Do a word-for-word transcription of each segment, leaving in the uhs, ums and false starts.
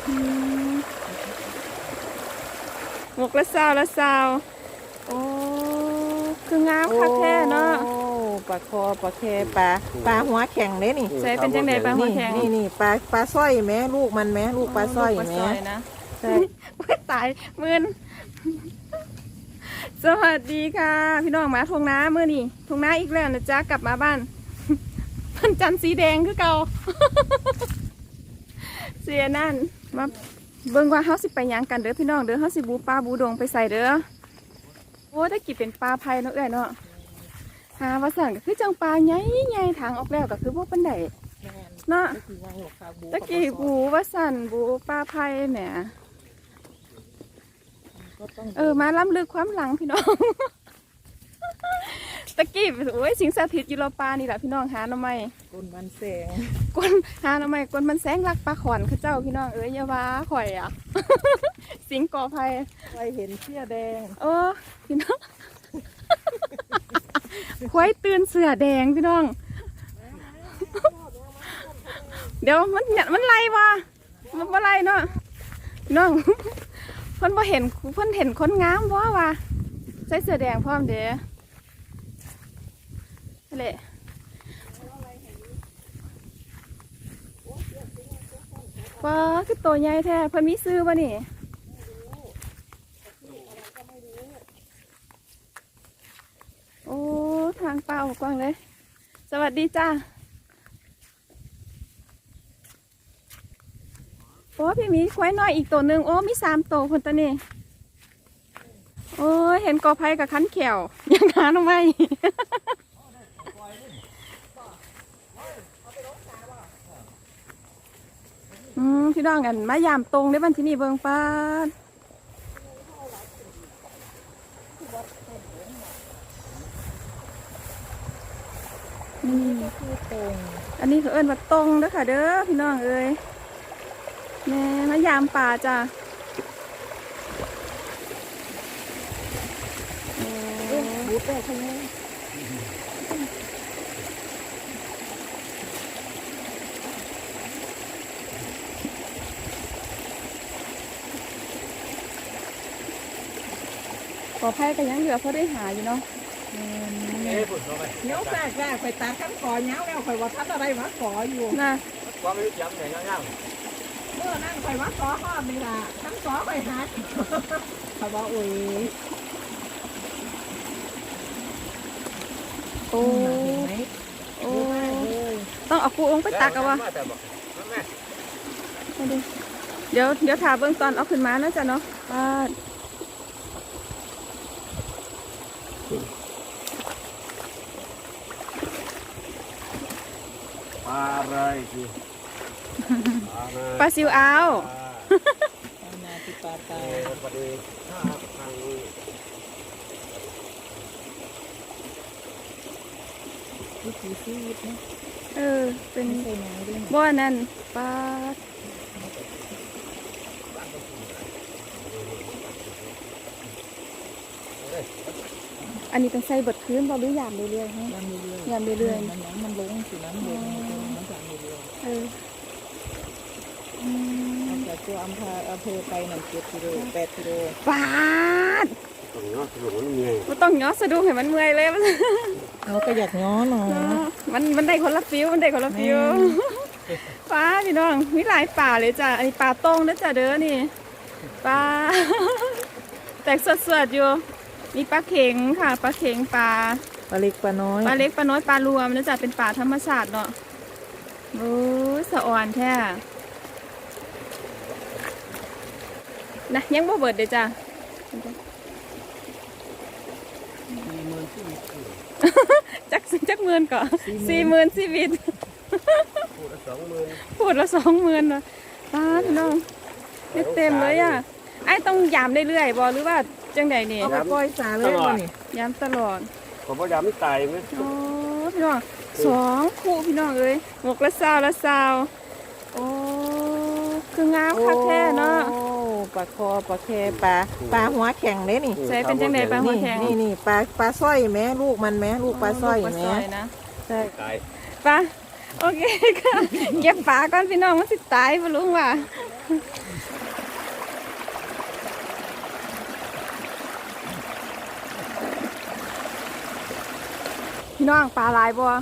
หมกละซาวละซาวโอ้คืองามคักแท้เนาะปลาคอปลาแคปลาปลาหัวแข็งเด้นี่ใส่เป็นจังไดปลาหัวแข็งนี่นี่ปลาปลาสร้อยแม่ลูกมันแม่ลูกปลาสร้อยแม่ใช่ตายมื่นสวัสดีค่ะพี่น้องมาทงน้ามื่อนี่ทงน้าอีกแล้วนะจ๊ะกลับมาบ้านพันจันสีแดงคือเก่าเสียนั่นมาเบิ่งว่าเฮาสิไปยังกันเด้อพี่น้องเด้อเฮาสิบูปลาบูดงไปใส่เด้อโอ้ได้กี่เป็นปลาไผ่เนาะเอ้ยเนาะหาว่าสั่งก็คือจังปลาใหญ่ใหญ่ทางออกแล้วก็คือพวกปันไดเนาะตะกี้บูว่าสั่นบูปลาไผ่แหมเออมาล้ำลึกความหลังพี่น้องตะกี้โอ้ยสิงสถิตอยู่รอปลานี่แหละพี่น้องหาหน่อไม้กลมันแสงกลหาหน่อไม้กลมันแสงรักปลาขอนข้าเจ้าพี่น้องเอ้ยอย่าว่าข่อยอ่ะ สิงก่อภัยไปเห็นเสื้อแดงเออพี่น้องควายตื่นเสือแดงพี่น้องเดี๋ยวมันเนี่ยมันไล่วะมันว่าไล่เนาะพี่น้องเพิ่นพอเห็นเพิ่นเห็นคนงามว่าวะใส่เสื้อแดงพร้อมเด้อนั่นแหละว้าคือตัวใหญ่แท้เพิ่นมีซื้อป่ะนี่โอ้ทางเปล่ากว้างเลยสวัสดีจ้าโอ้พี่มีควายน้อยอีกตัวหนึ่งโอ้มีสามตัวคนตัวนี้โอ้เห็นกอไผ่กับคันเขียวยังหาทำไมอืมพี่น้องกันมายามตรงได้บ้านที่นี่เบิงป้านี่อันนี้คือเอิ้นว่าตรงเด้อค่ะเด้อพี่น้องเอ้ยแม่มายามป่าจ้ะบูดได้ใช่ไหมกอไผ่ก็ยังเหลือเพราะได้หาอยู่เนาะเนี้ยแฝกแฝกไปตัดขั้นขอเนี้ยแล้วคอยว่าทัดอะไรมาขออยู่นะความรู้จักไหนย่างเมื่อนั่งคอยว่าขอห้อมนี่ล่ะขั้นขอไปหาเขาบอกอุ้ยโอ้โอ้ต้องเอาปูลงไปตักเอาวะเดี๋ยวเดี๋ยวถ่าเบื้องตอนเอาขึ้นมานะจ๊ะเนาะป้าปลาอะไรสิปลาซิวเอานาติปลาตาปลาเด็กข้าทางวิถีชีวิตนะเออเป็นบ่อนั่นปลาอันนี้ต้องใส่บดพื้นบ่หรือยามเรื่อยๆฮะยามเรื่อยๆมันมันลงสิน้ำลงมันสั่งเรื่อยๆเออจากตัวอำเภออำเภอไปหนึ่งเจ็ดกิโลแปดกิโลปาดต้องย้อนสนุกมันเมื่อยมันต้องย้อนสะดุ้งให้มันเมื่อยเลยมันเราก็อยากย้อนเนาะมันมันได้คนละฟิวมันได้คนละฟิวป้าพี่น้องมีหลายป่าเลยจ้ะอันนี้ป่าตรงนะจ้ะเด้อนี่ปลาแตกสดๆอยู่มีปลาเข็งค่ะปลาเข็งปลาปลาเล็กปลาน้อยปลาเล็กปลาน้อยปลารวมนะจ๊ะเป็นป่าธรรมชาติเนาะโอ้สะอ่อนแท้นะยังบ่เบิดเด้จ้ะจักจักหมื่นก่อนสี่หมื่นชีวิตพูดละสองหมื่นพูดละสองหมื่นนะป้าพี่น้องเต็มเลยอ่ะไอ้ต้องยามเรื่อยๆบอหรือว่าจังใดนี่เอาไปปล่อยสาเลยบ่นี่ยามตลอดผมพยายามไม่ตายไหมโอ้พี่น้องสองคู่พี่น้องเอ้ยหมกละซาวละซาวโอ้คืองามคักแท้เนาะปลาคอปลาแคปลาปลาหัวแข็งเด้นี่ใส่เป็นจังใดปลาหัวแข็งนี่นี่ปลาปลาสร้อยแม่ลูกมันแม่ลูกปลาสร้อยแม่ใช่ปลาโอเคค่ะเก็บปลาก่อนพี่น้องมันสิตายบ่รู้ว่าพี่น้องปลาหลายบัว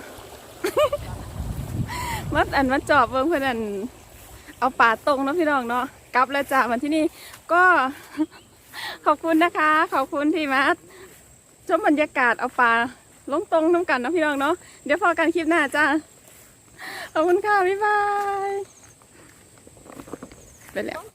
มัดอันมัดจอบเบิ่งเพื่อนอันเอาปลาตรงเนาะพี่น้องเนาะกลับแล้วจ้ะวันที่นี่ก็ ขอบคุณนะคะ ขอบคุณที่มาชมบรรยากาศเอาปลาลงตรงน้ำกันเนาะพี่น้องเนาะเดี๋ยวพอกันคลิปหน้าจ้าขอบคุณค่ะบ๊ายบายไปแล้ว